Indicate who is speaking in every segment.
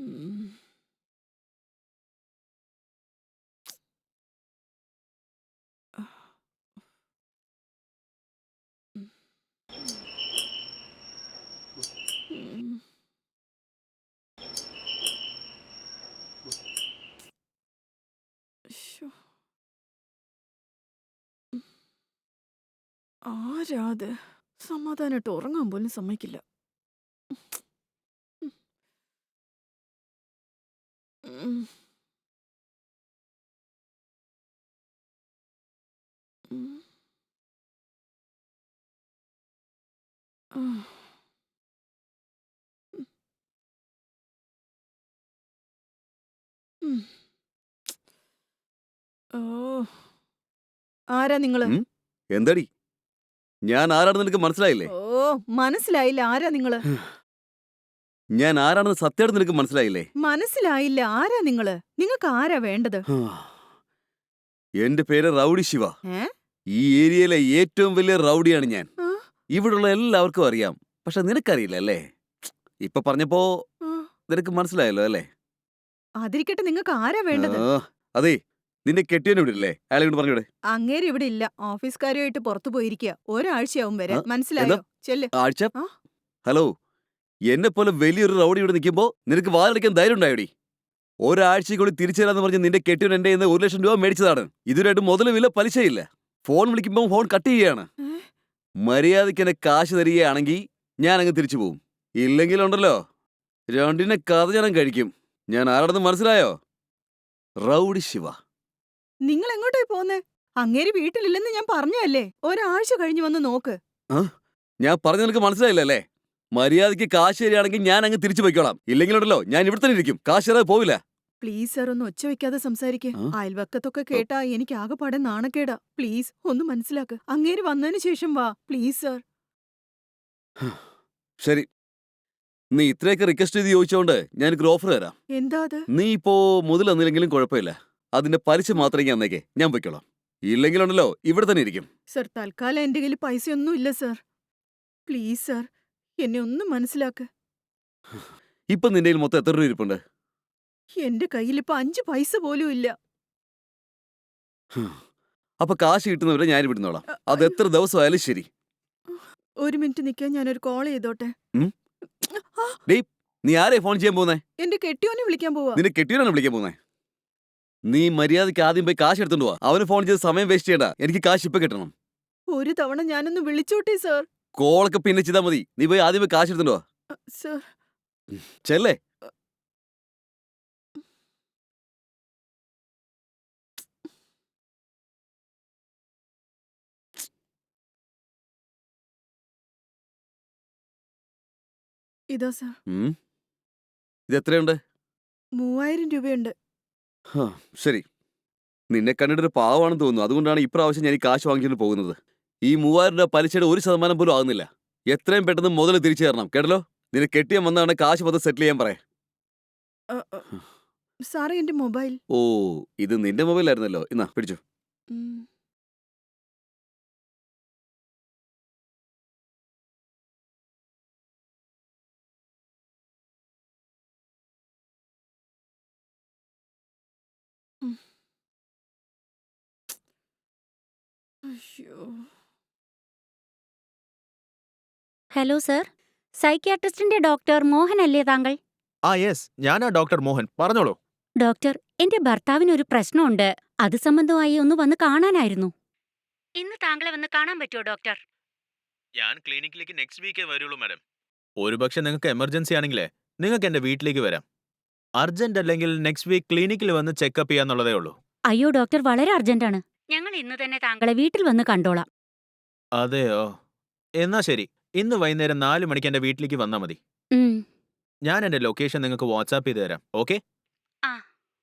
Speaker 1: ഉം. ഉം. ഉം. ശ്ശോ. ആരാ അത്? സമാധാനായിട്ട് ഉറങ്ങാൻ പോലും സമ്മതിക്കില്ല. ഉം. ഉം. ഉം. ആ. ഉം. ഉം. ഓ! ആരാ നിങ്ങള്?
Speaker 2: എന്താടി? ഞാൻ ആരാണെന്ന് നിനക്ക് മനസ്സിലായില്ലേ?
Speaker 1: ഓ! മനസ്സിലായില്ല. ആരാ നിങ്ങള്?
Speaker 2: ഞാൻ ആരാണെന്ന് സത്യമായിട്ട് നിനക്ക് മനസ്സിലായില്ലേ?
Speaker 1: മനസ്സിലായില്ല. ആരാ നിങ്ങള്? നിങ്ങക്ക് ആരാ വേണ്ടത്?
Speaker 2: എന്റെ പേര് റൗഡി ശിവ.
Speaker 1: ഏ?
Speaker 2: ഈ ഏരിയയിലെ ഏറ്റവും വലിയ റൗഡിയാണ് ഞാൻ.
Speaker 1: ആ?
Speaker 2: ഇവിടുള്ള എല്ലാവർക്കും അറിയാം. പക്ഷെ നിനക്കറിയില്ല അല്ലേ? ഇപ്പൊ പറഞ്ഞപ്പോ
Speaker 1: ആ.
Speaker 2: നിനക്ക് മനസ്സിലായല്ലോ അല്ലേ?
Speaker 1: അതിരിക്കട്ടെ, നിങ്ങക്ക് ആരാ വേണ്ടത്?
Speaker 2: അതെ, നിന്റെ കെട്ടിയവനെ വിടില്ലേ? അയാളെ കൊണ്ട് പറഞ്ഞൂടെ?
Speaker 1: അങ്ങേര് ഇവിടെ ഇല്ല. ഓഫീസ് കാര്യമായിട്ട് പുറത്തു പോയിരിക്കുക. ഒരാഴ്ചയാവും
Speaker 2: ആ?
Speaker 1: വരാൻ.
Speaker 2: എന്താ?
Speaker 1: മനസ്സിലായോ? ചെല്ല്.
Speaker 2: ആഴ്ച?
Speaker 1: ആ?
Speaker 2: ഹലോ, എന്നെ പോലെ വലിയൊരു റൗഡി ഇവിടെ നിൽക്കുമ്പോ നിനക്ക് വാതിലടിക്കാൻ ധൈര്യം ഉണ്ടായോടി? ഒരാഴ്ചയ്ക്കുള്ളിൽ തിരിച്ചു തരാന്ന് പറഞ്ഞ് നിന്റെ കെട്ടിയവൻ എന്റെ കയ്യിന്ന് 1,00,000 രൂപ മേടിച്ചതാണ്. ഇതുവരെയായിട്ട് മുതലുമില്ല, പലിശയില്ല. ഫോൺ വിളിക്കുമ്പോൾ ഫോൺ കട്ട് ചെയ്യാണ്.
Speaker 1: ഏ?
Speaker 2: മര്യാദയ്ക്ക് എന്നെ കാശ് തരികയാണെങ്കിൽ ഞാൻ അങ്ങ് തിരിച്ചു പോവും. ഇല്ലെങ്കിലുണ്ടല്ലോ, രണ്ടിനെ കഥ ഞാൻ കഴിക്കും. ഞാൻ ആരാണെന്ന് മനസ്സിലായോ? റൗഡി ശിവ.
Speaker 1: നിങ്ങൾ എങ്ങോട്ടായി പോന്നേ? അങ്ങേര് വീട്ടിലില്ലെന്ന് ഞാൻ പറഞ്ഞല്ലേ. ഒരാഴ്ച കഴിഞ്ഞ് വന്ന് നോക്ക്.
Speaker 2: ആ? ഞാൻ പറഞ്ഞ നിനക്ക് മനസ്സിലായില്ല അല്ലേ? മര്യാദയ്ക്ക് കാശ് തരികയാണെങ്കിൽ ഞാൻ അങ്ങ് തിരിച്ചു പോയിക്കോളാം. ഇല്ലെങ്കിലുണ്ടല്ലോ, ഞാൻ ഇവിടെ തന്നെ ഇരിക്കും. കാശ് തരാതെ പോവില്ല.
Speaker 1: പ്ലീസ് സർ, ഒന്ന് ഒച്ച വെക്കാതെ സംസാരിക്ക്.
Speaker 2: ആ?
Speaker 1: അയൽവക്കത്തൊക്കെ കേട്ടാ എനിക്ക് ആകെപ്പാടെ നാണക്കേടാ. പ്ലീസ് ഒന്ന് മനസ്സിലാക്ക്. അങ്ങേര് വന്നതിന് ശേഷം വാ. Please sir.
Speaker 2: ശരി, നീ ഇത്രയൊക്കെ റിക്വസ്റ്റ് ചെയ്ത് ചോദിച്ചോണ്ട് ഞാനൊരു ഓഫർ തരാം.
Speaker 1: എന്താ അത്?
Speaker 2: നീ ഇപ്പോ മുതൽ തന്നില്ലെങ്കിലും കുഴപ്പമില്ല. അതിന്റെ പലിശ മാത്രം ഞാൻ തന്നേക്കേ, ഞാൻ പൊയ്ക്കോളാം. ഇല്ലെങ്കിലുണ്ടല്ലോ, ഇവിടെ തന്നെ ഇരിക്കും.
Speaker 1: സർ, തൽക്കാലം എന്റെ കയ്യിൽ പൈസയൊന്നും ഇല്ല സർ. പ്ലീസ് സർ, എന്നെ ഒന്ന് മനസ്സിലാക്ക്.
Speaker 2: ഇപ്പൊ നിന്റെ കയ്യിൽ മൊത്തം എത്ര രൂപ ഇരിപ്പുണ്ട്?
Speaker 1: എന്റെ കയ്യിൽ ഇപ്പൊ 5 പൈസ പോലും ഇല്ല.
Speaker 2: അപ്പൊ കാശ് കിട്ടുന്നവരെ ഞാൻ വിടുന്നോളാം. അത്
Speaker 1: അയ്യോ.
Speaker 2: എത്ര ദിവസമായാലും ശരി.
Speaker 1: ഒരു മിനിറ്റ് നിൽക്കാൻ, ഞാനൊരു കോൾ ചെയ്തോട്ടെ.
Speaker 2: ഉം?
Speaker 1: ആ,
Speaker 2: ഡേയ്, നീ ആരെ ഫോൺ ചെയ്യാൻ പോകുന്നേ?
Speaker 1: എന്റെ കെട്ടിയോനെ വിളിക്കാൻ പോവാ.
Speaker 2: നിന്റെ കെട്ടിയവനാണ് വിളിക്കാൻ പോകുന്നേ? നീ മര്യാദയ്ക്ക് ആദ്യം പോയി കാശ് എടുത്തോണ്ട് പോവാ. അവന് ഫോൺ ചെയ്ത് സമയം വേസ്റ്റ് ചെയ്യണ്ട. എനിക്ക് കാശ് ഇപ്പൊ കിട്ടണം.
Speaker 1: ഒരു തവണ ഞാനൊന്ന് വിളിച്ചോട്ടെ സർ.
Speaker 2: കോളൊക്കെ പിന്നെ ചെയ്താൽ മതി. നീ പോയി ആദ്യം പോയി കാശ് എടുത്തോണ്ട് പോവാ.
Speaker 1: സർ.
Speaker 2: ചെല്ലേ.
Speaker 1: ഇതാ സർ.
Speaker 2: ഇത് എത്രയുണ്ട്?
Speaker 1: 3000 രൂപയുണ്ട്.
Speaker 2: ശരി, നിന്നെ കണ്ടിട്ടൊരു പാവമാണെന്ന് തോന്നുന്നു. അതുകൊണ്ടാണ് ഇപ്രാവശ്യം ഞാൻ ഈ കാശ് വാങ്ങിക്കൊണ്ട് പോകുന്നത്. ഈ 3000 രൂപ പലിശയുടെ 1% പോലും ആകുന്നില്ല. എത്രയും പെട്ടെന്ന് മുതൽ തിരിച്ചു തരണം, കേട്ടല്ലോ? നിന്നെ കെട്ടിയാൻ വന്നാണ് കാശ് മൊത്തം സെറ്റിൽ ചെയ്യാൻ പറയാം.
Speaker 1: അ, അ, സാറേ, എന്റെ മൊബൈൽ.
Speaker 2: ഓ, ഇത് നിന്റെ മൊബൈലായിരുന്നല്ലോ. ഇന്നാ പിടിച്ചു.
Speaker 1: ഉം. ഉം. അയ്യോ.
Speaker 3: ഹലോ സർ, സൈക്യാട്രിസ്റ്റിന്റെ ഡോക്ടർ മോഹൻ അല്ലേ താങ്കൾ?
Speaker 4: യെസ്, ഞാനാ ഡോക്ടർ മോഹൻ. പറഞ്ഞോളൂ.
Speaker 3: ഡോക്ടർ, എന്റെ ഭർത്താവിനൊരു പ്രശ്നമുണ്ട്. അത് സംബന്ധമായി ഒന്ന് വന്ന് കാണാനായിരുന്നു. ഇന്ന് താങ്കളെ വന്ന് കാണാൻ പറ്റുമോ ഡോക്ടർ?
Speaker 4: ഞാൻ ക്ലിനിക്കിലേക്ക് നെക്സ്റ്റ് വീക്കേ വരുള്ളൂ മാഡം. ഒരുപക്ഷെ നിങ്ങൾക്ക് എമർജൻസി ആണെങ്കിലേ നിങ്ങൾക്ക് എന്റെ വീട്ടിലേക്ക് വരാം. അർജന്റ് അല്ലെങ്കിൽ നെക്സ്റ്റ് വീക്ക് ക്ലിനിക്കിൽ വന്ന് ചെക്കപ്പ് ചെയ്യാന്നുള്ളതേ ഉള്ളൂ.
Speaker 3: അയ്യോ ഡോക്ടർ, വളരെ അർജന്റാണ്. ഞങ്ങൾ ഇന്ന് തന്നെ താങ്കളെ വീട്ടിൽ വന്ന് കണ്ടോളാം.
Speaker 4: അതെയോ? എന്നാ ശരി, ഇന്ന് വൈകുന്നേരം 4 മണിക്ക് എന്റെ വീട്ടിലേക്ക് വന്നാൽ മതി.
Speaker 3: ഉം.
Speaker 4: ഞാൻ എന്റെ ലൊക്കേഷൻ നിങ്ങൾക്ക് വാട്സാപ്പ് ചെയ്ത് തരാം. ഓക്കെ?
Speaker 3: ആ.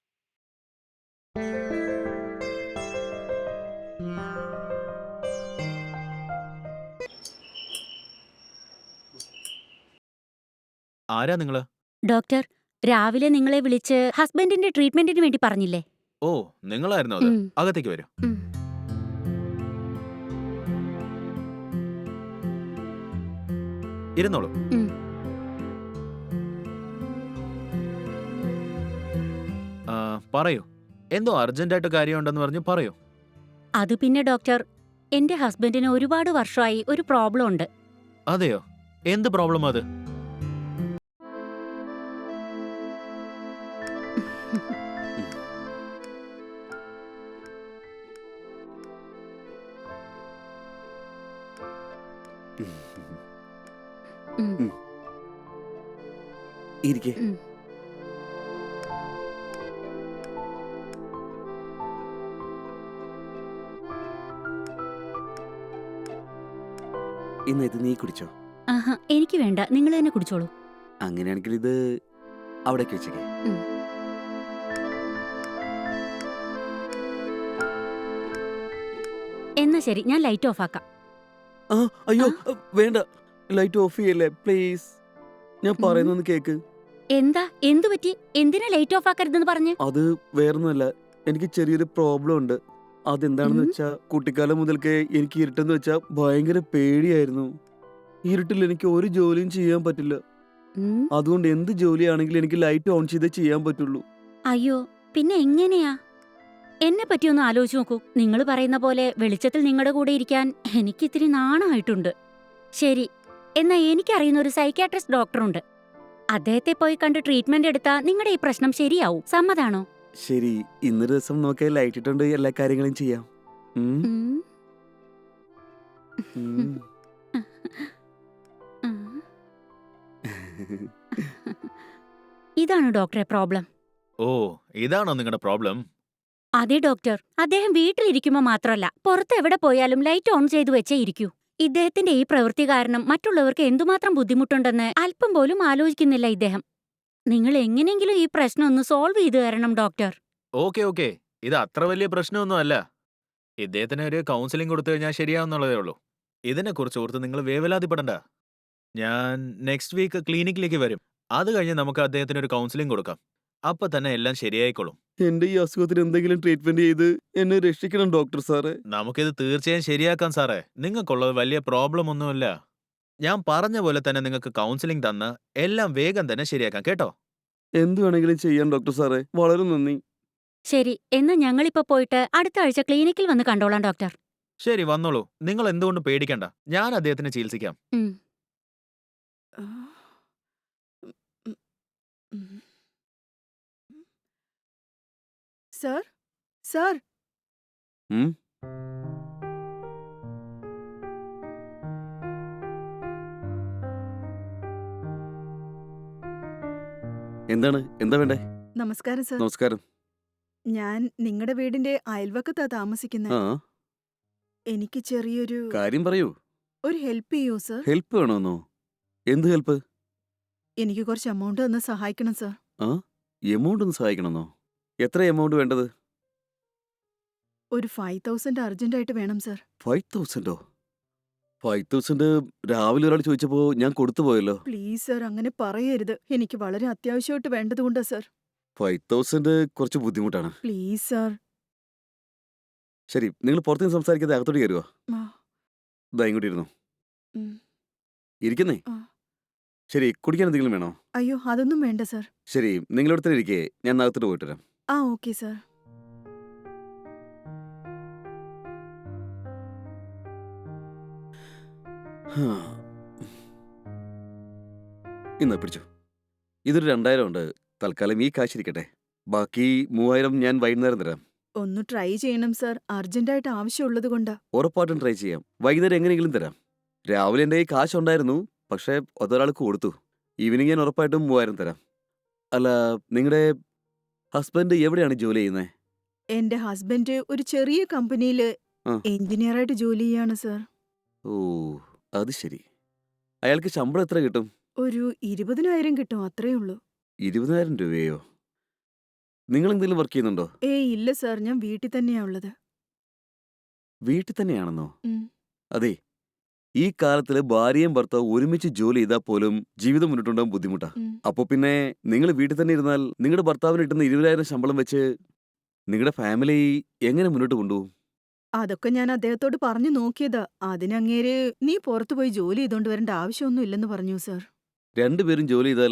Speaker 4: ആരാ നിങ്ങള്?
Speaker 3: ഡോക്ടർ, രാവിലെ നിങ്ങളെ വിളിച്ച് ഹസ്ബൻഡിന്റെ ട്രീറ്റ്മെന്റിന് വേണ്ടി പറഞ്ഞില്ലേ?
Speaker 4: ഓ, നിങ്ങളായിരുന്നോ അത്?
Speaker 3: ഉം.
Speaker 4: അകത്തേക്ക് വരൂ.
Speaker 3: ഉം.
Speaker 4: ഇരുന്നോളൂ.
Speaker 3: ഉം.
Speaker 4: പറയൂ. എന്തോ അർജന്റായിട്ട് കാര്യമുണ്ടെന്ന് പറഞ്ഞ് പറയൂ.
Speaker 3: അത് പിന്നെ ഡോക്ടർ, എന്റെ ഹസ്ബൻഡിന് ഒരുപാട് വർഷമായി ഒരു പ്രോബ്ലം ഉണ്ട്.
Speaker 4: അതെയോ? എന്ത് പ്രോബ്ലം അത്?
Speaker 3: ഉം,
Speaker 2: ഇരിക്കെ.
Speaker 3: ഉം.
Speaker 2: ഇന്ന് ഇത് നീ കുടിച്ചോ?
Speaker 3: ആഹാ, എനിക്ക് വേണ്ട, നിങ്ങൾ തന്നെ കുടിച്ചോളൂ.
Speaker 2: അങ്ങനെയാണെങ്കിൽ ഇത് അവിടേക്ക് വെച്ചേക്കെ.
Speaker 3: ഉം. എന്നാ ശരി, ഞാൻ ലൈറ്റ് ഓഫ് ആക്കാം.
Speaker 2: ആ അയ്യോ വേണ്ട, ലൈറ്റ് ഓഫ് ചെയ്യല്ലേ പ്ലീസ്. ഞാൻ പറയുന്നൊന്ന് കേക്ക്.
Speaker 3: എന്താ, എന്തു പറ്റി? എന്തിനാ ലൈറ്റ് ഓഫ് ആക്കരുതെന്ന് പറഞ്ഞ്?
Speaker 2: അത് വേറൊന്നുമല്ല, എനിക്ക് ചെറിയൊരു പ്രോബ്ലം ഉണ്ട്. അതെന്താണെന്ന്
Speaker 3: ഉം.
Speaker 2: വെച്ചാ, കുട്ടിക്കാലം മുതൽക്കേ എനിക്ക് ഇരുട്ടെന്ന് വെച്ചാ ഭയങ്കര പേടിയായിരുന്നു. ഇരുട്ടിൽ എനിക്ക് ഒരു ജോലിയും ചെയ്യാൻ പറ്റില്ല.
Speaker 3: ഉം.
Speaker 2: അതുകൊണ്ട് എന്ത് ജോലിയാണെങ്കിലും എനിക്ക് ലൈറ്റ് ഓൺ ചെയ്തേ ചെയ്യാൻ പറ്റുള്ളൂ.
Speaker 3: അയ്യോ, പിന്നെ എങ്ങനെയാ? എന്നെ പറ്റിയൊന്ന് ആലോചിച്ച് നോക്കൂ. നിങ്ങൾ പറയുന്ന പോലെ വെളിച്ചത്തിൽ നിങ്ങളുടെ കൂടെ ഇരിക്കാൻ എനിക്കിത്തിരി നാണമായിട്ടുണ്ട്. ശരി, എന്നാ എനിക്കറിയുന്ന ഒരു സൈക്യാട്രിസ്റ്റ് ഡോക്ടറുണ്ട്. അദ്ദേഹത്തെ പോയി കണ്ട് ട്രീറ്റ്മെന്റ് എടുത്താ നിങ്ങളുടെ ഈ പ്രശ്നം ശരിയാവും. സമ്മതാണോ?
Speaker 2: ശരി, ഇന്നൊരു ദിവസം നമുക്ക് ലൈറ്റ് ഇട്ടുകൊണ്ട് എല്ലാ കാര്യങ്ങളും ചെയ്യാം. ഉം,
Speaker 3: ഉം.
Speaker 2: ഉം.
Speaker 3: ഉം. ഇതാണ് ഡോക്ടറെ പ്രോബ്ലം.
Speaker 4: ഓ, ഇതാണോ നിങ്ങളുടെ പ്രോബ്ലം?
Speaker 3: അതെ ഡോക്ടർ, അദ്ദേഹം വീട്ടിലിരിക്കുമ്പോ മാത്രമല്ല, പുറത്ത് എവിടെ പോയാലും ലൈറ്റ് ഓൺ ചെയ്തു വെച്ചേ ഇരിക്കൂ. ഇദ്ദേഹത്തിന്റെ ഈ പ്രവൃത്തി കാരണം മറ്റുള്ളവർക്ക് എന്തുമാത്രം ബുദ്ധിമുട്ടുണ്ടെന്ന് അല്പം പോലും ആലോചിക്കുന്നില്ല ഇദ്ദേഹം. നിങ്ങൾ എങ്ങനെയെങ്കിലും ഈ പ്രശ്നം ഒന്ന് സോൾവ് ചെയ്തു തരണം ഡോക്ടർ.
Speaker 4: ഓക്കെ. ഇത് അത്ര വലിയ പ്രശ്നമൊന്നും അല്ല. ഇദ്ദേഹത്തിന് ഒരു കൗൺസിലിംഗ് കൊടുത്തു കഴിഞ്ഞാൽ ശരിയാവുന്നുള്ളതേ ഉള്ളൂ. ഇതിനെക്കുറിച്ച് ഓർത്ത് നിങ്ങൾ വേവലാതിപ്പെടണ്ട. ഞാൻ നെക്സ്റ്റ് വീക്ക് ക്ലിനിക്കിലേക്ക് വരും. അത് കഴിഞ്ഞ് നമുക്ക് അദ്ദേഹത്തിന് ഒരു കൗൺസിലിംഗ് കൊടുക്കാം. അപ്പൊ തന്നെ എല്ലാം ശരിയായിക്കോളും.
Speaker 2: എന്റെ ഈ അസുഖത്തിന് എന്തെങ്കിലും ട്രീറ്റ്മെന്റ് ചെയ്ത് എന്നെ രക്ഷിക്കണം ഡോക്ടർ സാറേ.
Speaker 4: നമുക്കിത് തീർച്ചയായും ശരിയാക്കാം സാറേ. നിങ്ങൾക്കുള്ളത് വലിയ പ്രോബ്ലം ഒന്നുമില്ല. ഞാൻ പറഞ്ഞ പോലെ തന്നെ നിങ്ങൾക്ക് കൗൺസിലിംഗ് തന്ന് എല്ലാം വേഗം തന്നെ ശരിയാക്കാം കേട്ടോ.
Speaker 2: എന്ത് വേണമെങ്കിലും ചെയ്യാൻ ഡോക്ടർ സാറേ, വളരെ നന്ദി.
Speaker 3: ശരി, എന്നാ ഞങ്ങളിപ്പോ പോയിട്ട് അടുത്ത ആഴ്ച ക്ലിനിക്കിൽ വന്ന് കണ്ടോളാം ഡോക്ടർ.
Speaker 4: ശരി, വന്നോളൂ. നിങ്ങൾ എന്തുകൊണ്ട് പേടിക്കണ്ട. ഞാൻ അദ്ദേഹത്തിനെ ചികിത്സിക്കാം.
Speaker 3: ഉം.
Speaker 1: ആ. ഉം, ഉം. സർ, സർ,
Speaker 2: ഉം? എന്താണ്, എന്താ വേണ്ടേ?
Speaker 1: നമസ്കാരം സർ.
Speaker 2: നമസ്കാരം.
Speaker 1: ഞാൻ നിങ്ങളുടെ വീടിന്റെ അയൽവക്കത്താ താമസിക്കുന്നത്.
Speaker 2: ആ,
Speaker 1: എനിക്ക് ചെറിയൊരു
Speaker 2: കാര്യം പറയൂ.
Speaker 1: ഒരു ഹെൽപ്പ് ചെയ്യൂ സർ.
Speaker 2: ഹെൽപ്പ് വേണമെന്നോ? എന്ത് ഹെൽപ്പ്?
Speaker 1: എനിക്ക് കുറച്ച് എമൗണ്ട് തന്ന് സഹായിക്കണം സർ.
Speaker 2: ആ, എമൗണ്ട് ഒന്ന് സഹായിക്കണമെന്നോ? എത്ര എമൗണ്ട് വേണ്ടത്?
Speaker 1: ഒരു 5000 അർജന്റായിട്ട് വേണം സർ.
Speaker 2: 5000ഓ? 5000 രാവിലെ ഒരാൾ ചോദിച്ചപ്പോ ഞാൻ കൊടുത്തു പോയല്ലോ.
Speaker 1: പ്ലീസ് സർ, അങ്ങനെ പറയരുത്. എനിക്ക് വളരെ അത്യാവശ്യമായിട്ട് വേണ്ടതുകൊണ്ടാ സർ.
Speaker 2: 5000 കുറച്ച് ബുദ്ധിമുട്ടാണ്.
Speaker 1: Please sir.
Speaker 2: ശരി, നിങ്ങൾ പുറത്തുനിന്ന് സംസാരിക്കാതെ അകത്തോട്ട് കയറുക.
Speaker 1: ആ,
Speaker 2: ദാ ഇങ്ങോട്ട് ഇരുന്നു.
Speaker 1: ഉം.
Speaker 2: ഇരിക്കുന്നേ.
Speaker 1: ആ.
Speaker 2: ശരി, കുടിക്കാൻ എന്തെങ്കിലും വേണോ?
Speaker 1: അയ്യോ, അതൊന്നും വേണ്ട സർ.
Speaker 2: ശരി, നിങ്ങളിവിടെ തന്നെ ഇരിക്കേ, ഞാൻ അകത്തോട്ട് പോയിട്ട് വരാം.
Speaker 1: ആ, ഓക്കെ സർ.
Speaker 2: ഇന്ന് പിടിച്ചു. ഇതൊരു 2000 ഉണ്ട്. തൽക്കാലം ഈ കാശ് ഇരിക്കട്ടെ. ബാക്കി 3000 ഞാൻ വൈകുന്നേരം തരാം.
Speaker 1: ഒന്ന് ട്രൈ ചെയ്യണം സർ. അർജന്റായിട്ട് ആവശ്യമുള്ളത് കൊണ്ടാ.
Speaker 2: ഉറപ്പായിട്ടും ട്രൈ ചെയ്യാം. വൈകുന്നേരം എങ്ങനെയെങ്കിലും തരാം. രാവിലെ എൻ്റെ കയ്യിൽ കാശുണ്ടായിരുന്നു, പക്ഷേ അതൊരാൾക്ക് കൊടുത്തു. ഈവനിങ് ഞാൻ ഉറപ്പായിട്ടും 3000 തരാം. അല്ല, നിങ്ങളുടെ ഹസ്ബൻഡ് എവിടെയാണ് ജോലി ചെയ്യുന്നത്?
Speaker 1: എന്റെ ഹസ്ബൻഡ് ഒരു ചെറിയ കമ്പനിയില്
Speaker 2: ആ.
Speaker 1: എഞ്ചിനീയറായിട്ട് ജോലി ചെയ്യാണ് സർ.
Speaker 2: ഓ, അത് ശരി. അയാൾക്ക് ശമ്പളം എത്ര കിട്ടും?
Speaker 1: ഒരു 20,000 കിട്ടും, അത്രേ ഉള്ളൂ.
Speaker 2: 20,000 രൂപയോ? നിങ്ങൾ എന്തെങ്കിലും വർക്ക് ചെയ്യുന്നുണ്ടോ?
Speaker 1: ഏയ് ഇല്ല സർ, ഞാൻ വീട്ടിൽ തന്നെയാ ഉള്ളത്.
Speaker 2: വീട്ടിൽ തന്നെയാണെന്നോ?
Speaker 1: ഉം.
Speaker 2: അതെ, ഈ കാലത്തില് ഭാര്യയും ഭർത്താവും ഒരുമിച്ച് ജോലി ചെയ്താൽ പോലും ജീവിതം മുന്നോട്ടുണ്ടാകാൻ ബുദ്ധിമുട്ടാ.
Speaker 1: ഉം.
Speaker 2: അപ്പൊ പിന്നെ നിങ്ങൾ വീട്ടിൽ തന്നെ ഇരുന്നാൽ നിങ്ങളുടെ ഭർത്താവിന് കിട്ടുന്ന 20,000 ശമ്പളം വെച്ച് നിങ്ങളുടെ ഫാമിലി എങ്ങനെ മുന്നോട്ട് കൊണ്ടുപോകും?
Speaker 1: അതൊക്കെ ഞാൻ അദ്ദേഹത്തോട് പറഞ്ഞു നോക്കിയതാ. അതിനങ്ങേര് നീ പുറത്തു പോയി ജോലി ചെയ്തോണ്ട് വരേണ്ട ആവശ്യമൊന്നും ഇല്ലെന്ന് പറഞ്ഞു സർ.
Speaker 2: രണ്ടുപേരും ജോലി ചെയ്താലേ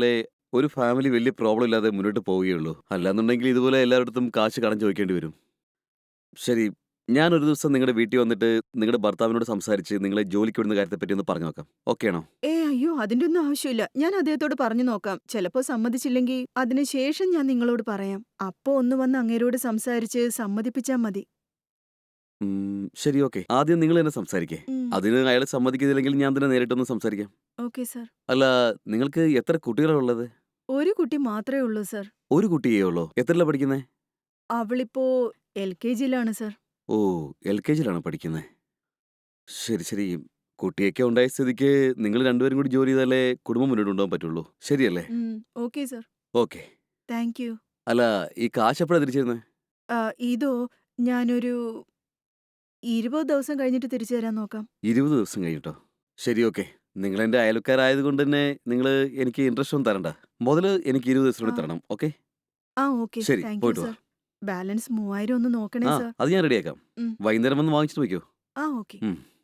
Speaker 2: ഒരു ഫാമിലി വലിയ പ്രോബ്ലം ഇല്ലാതെ മുന്നോട്ട് പോവുകയുള്ളൂ. അല്ലാന്നുണ്ടെങ്കിൽ ഇതുപോലെ എല്ലായിടത്തും കാശ് കടം ചോദിക്കേണ്ടി വരും. ശരി, ഞാനൊരു ദിവസം നിങ്ങളുടെ വീട്ടിൽ വന്നിട്ട് നിങ്ങളുടെ ഭർത്താവിനോട് സംസാരിച്ച് നിങ്ങളെ ജോലിക്ക് വിടുന്ന കാര്യത്തെപ്പറ്റി ഒന്ന് പറഞ്ഞു നോക്കാം. ഓക്കെ ആണോ?
Speaker 1: അയ്യോ അതിന്റെ ഒന്നും ആവശ്യമില്ല. ഞാൻ അദ്ദേഹത്തോട് പറഞ്ഞു നോക്കാം. ചിലപ്പോ സമ്മതിച്ചില്ലെങ്കിൽ അതിനുശേഷം ഞാൻ നിങ്ങളോട് പറയാം. അപ്പോ ഒന്ന് വന്ന് അങ്ങേരോട് സംസാരിച്ച് സമ്മതിപ്പിച്ചാ മതി.
Speaker 2: ശരി, ഓക്കെ. ആദ്യം നിങ്ങൾ തന്നെ സംസാരിക്കേ. അതിന് അയാൾ സമ്മതിക്കുന്നില്ലെങ്കിൽ ഞാൻ തന്നെ നേരിട്ടൊന്ന് സംസാരിക്കാം.
Speaker 1: Okay sir.
Speaker 2: അല്ല, നിങ്ങൾക്ക് എത്ര കുട്ടികളാണ് ഉള്ളത്?
Speaker 1: ഒരു കുട്ടി മാത്രമേ ഉള്ളൂ സർ.
Speaker 2: ഒരു കുട്ടിയേ ഉള്ളോ? എത്രയിലാ പഠിക്കുന്നത്?
Speaker 1: അവളിപ്പോ LKG-ലാണ് സർ.
Speaker 2: ഓ, LKG-യിലാണ് പഠിക്കുന്നത്. ശരി ശരി. കുട്ടിയൊക്കെ ഉണ്ടായ സ്ഥിതിക്ക് നിങ്ങൾ രണ്ടുപേരും കൂടി ജോലി ചെയ്താലേ കുടുംബം മുന്നോട്ട് കൊണ്ടുപോകാൻ പറ്റുള്ളൂ. ശരിയല്ലേ?
Speaker 1: Okay sir.
Speaker 2: Okay.
Speaker 1: Thank you.
Speaker 2: അല്ല, ഈ കാശ് എപ്പോഴാണ് തിരിച്ചിരുന്നത്?
Speaker 1: ഇതോ ഞാനൊരു 20 ദിവസം കഴിഞ്ഞിട്ട് തിരിച്ചു തരാൻ നോക്കാം.
Speaker 2: 20 ദിവസം കഴിഞ്ഞിട്ടോ? ശരി, ഓക്കെ. നിങ്ങൾ എൻ്റെ അയൽക്കാരായതുകൊണ്ട് തന്നെ നിങ്ങൾ എനിക്ക് ഇൻട്രസ്റ്റ് ഒന്നും തരണ്ട. മുതൽ എനിക്ക് 20 ദിവസത്തിനുള്ളിൽ
Speaker 1: ആ.
Speaker 2: തരണം. ഓക്കെ?
Speaker 1: ഓക്കെ.
Speaker 2: ശരി,
Speaker 1: താങ്ക് യു
Speaker 2: പോയിട്ട് വാ.
Speaker 1: സർ. ബാലൻസ് 3000 ഒന്ന് നോക്കണേ
Speaker 2: ആ,
Speaker 1: സർ.
Speaker 2: അത് ഞാൻ റെഡിയാക്കാം.
Speaker 1: ഉം.
Speaker 2: വൈകുന്നേരം വന്ന് വാങ്ങിച്ചിട്ട് വയ്ക്കോ.
Speaker 1: ഓക്കെ.